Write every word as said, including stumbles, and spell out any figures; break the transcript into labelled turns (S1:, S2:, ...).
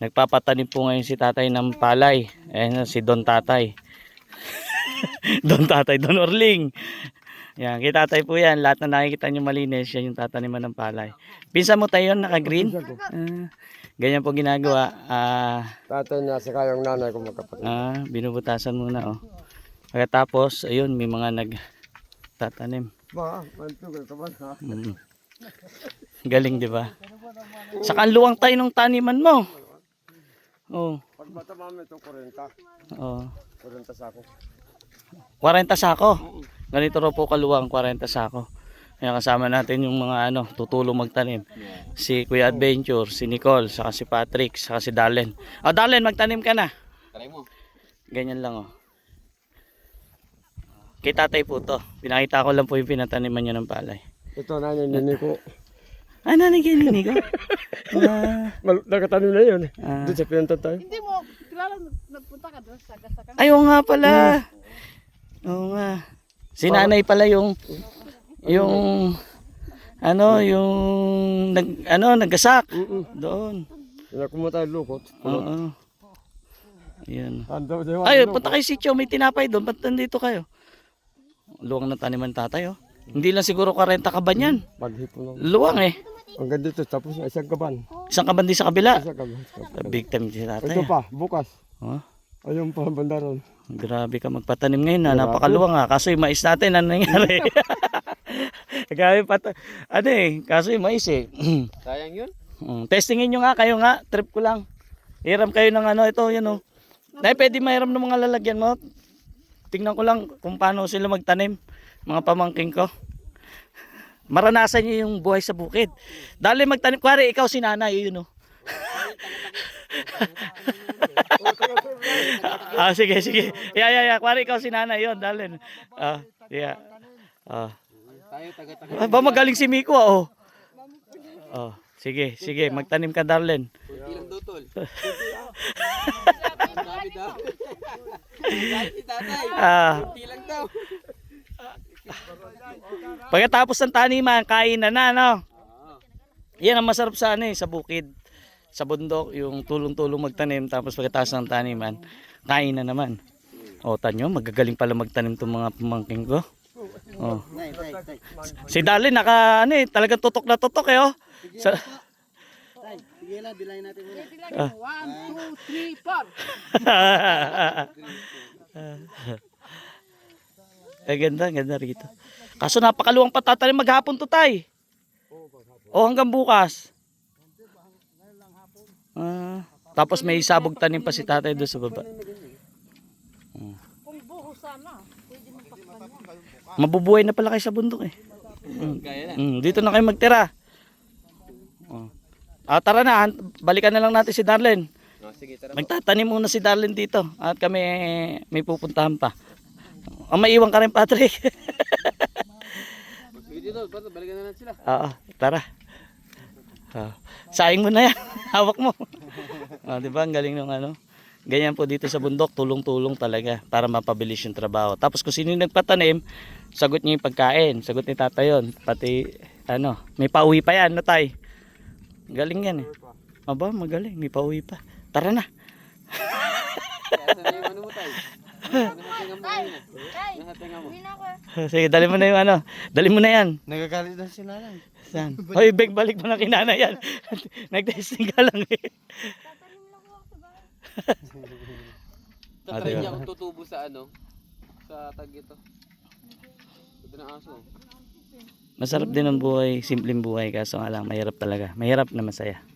S1: Nagpapatanim po ngayon si tatay ng palay. Ayan si Don Tatay. Don Tatay, Don Orling. Yan, kay tatay po yan. Lahat na nakikita nyo malinis, yan yung tataniman ng palay. Pinsan mo tayo yun, naka-green? Uh, ganyan po ginagawa. Ah,
S2: Tatay niya, saka yung nanay ko magkapatid.
S1: ah, binubutasan muna, oh. Pagkatapos, ayun, may mga nagtatanim.
S2: Ba, mantugan ka ba ha?
S1: Mm. Galing, di ba? Saka ang luwang tayo ng taniman mo. Oh.
S2: Pag bata mami ito, kurenta.
S1: Oh.
S2: Kurenta sa ako.
S1: forty sako. Ganito raw po kaluwang, forty sako. Kaya kasama natin yung mga ano, tutulong magtanim. Si Kuya Adventure, si Nicole, saka si Patrick, saka si Darlen. Oh, Darlen, magtanim ka na.
S2: Try mo.
S1: Ganyan lang, oh. Kay tatay po to. Pinakita ko lang po yung pinataniman niya ng palay.
S2: Ito nanay nini ko.
S1: Ah, nanay kayo nini ko? Ah,
S2: Mal- Nakatanim na yun.
S1: Ah.
S2: Doon sa pinuntan tayo.
S3: Hindi mo, kilala nagpunta ka doon sa Gasakang.
S1: ay, oo nga pala. Oo nga. Si nanay pala yung yung ano, yung nag ano, nagasak doon.
S2: Kaya kumata lukot.
S1: Oo. Ayan.
S2: Ando daw.
S1: Ay, punta kayo sitio, may tinapay doon. Ba't nandito kayo? Luwang na taniman tatay, oh. Hindi lang siguro forty kaban yan.
S2: Paghipon lang.
S1: Luwang eh.
S2: Hanggang dito, tapos na isang kaban.
S1: Isang kaban din sa kabila.
S2: Isang kaban.
S1: Big time si tatay.
S2: Ito pa, bukas.
S1: Oh,
S2: Ayun pa, bandaron.
S1: grabe ka magpatanim ngayon na. Napakaluwang ha. Kaso yung mais natin, ano nangyari? Grabe pa. Ano eh, kaso yung mais eh.
S2: Sayang yun?
S1: Mm, testingin nyo nga, kayo nga. Trip ko lang. Hiram kayo ng ano, ito, yun oh. Dahil pwede mahiram ng mga lalagyan mo. Tingnan ko lang kung paano sila magtanim. Mga pamangking ko. Maranasan nyo yung buhay sa bukid. Dali magtanim. Kuwari, ikaw si nanay, yun oh. Ah, sige, sige. Yeah, yeah, yeah. Kuwari, ikaw si nanay, yun. Dali. Ah, yeah. Ah. Ah, ba magaling si Miko, ah, oh. Oh, sige, sige. Magtanim ka, Darlen.
S2: Ilang dutol.
S1: Ah.
S2: Ilang daw.
S1: Pagkatapos ng taniman, kain na na, no? Yan ang masarap sa ano eh, sa bukid, sa bundok, yung tulong-tulong magtanim, tapos pagkatapos ng taniman, kain na naman. O, tanyo, magagaling pala magtanim itong mga pamangking ko. O. Si Darlene, naka, ano eh, talagang tutok na tutok eh, oh. Sa,
S3: Sige lang, dilayin natin muna.
S1: Ah.
S3: One, two, three, four.
S1: eh, ganda, ganda rito. Kaso napakaluwang patatanim maghapon to tay. O hanggang bukas. Ah, tapos may sabog tanim pa si tatay doon sa baba. Hmm.
S3: Kung buho sana, pwede mo takpan yan.
S1: Mabubuhay na pala kayo sa bundok eh. Mm. Mm, dito na kayo magtira. Oh. Ah, tara na, balikan na lang natin si Darlen.
S2: Oh, sige, tara.
S1: Magtatanim muna si Darlen dito at kami may pupuntahan pa. Ah, maiwan ka rin, Patrick.
S2: Sige dito, balikan na natin sila.
S1: Oo, tara. Ah, sayang mo na yan. Hawak mo. Ah, di ba? Ang galing ng ano. Ganyan po dito sa bundok, tulong-tulong talaga para mapabilis yung trabaho. Tapos kung sino yung nagpatanim, sagot niya yung pagkain. Sagot ni tata yun. Pati, ano, may pauwi pa yan, no tay? Galing yan eh. Aba, magaling. May pauwi pa. Tara na.
S2: Ano mo tayo?
S1: Sige, dali mo na yung ano. Dali mo na yan.
S2: Nagagalit na si nanay.
S1: Saan? Hoy, beg, balik mo na kinana yan. Nag-testing ka lang eh.
S2: Tatry niya akong tutubo sa ano, sa tag ito. Ito na aso.
S1: Masarap din ang buhay, simpleng buhay kaso nga lang mahirap talaga. Mahirap na masaya.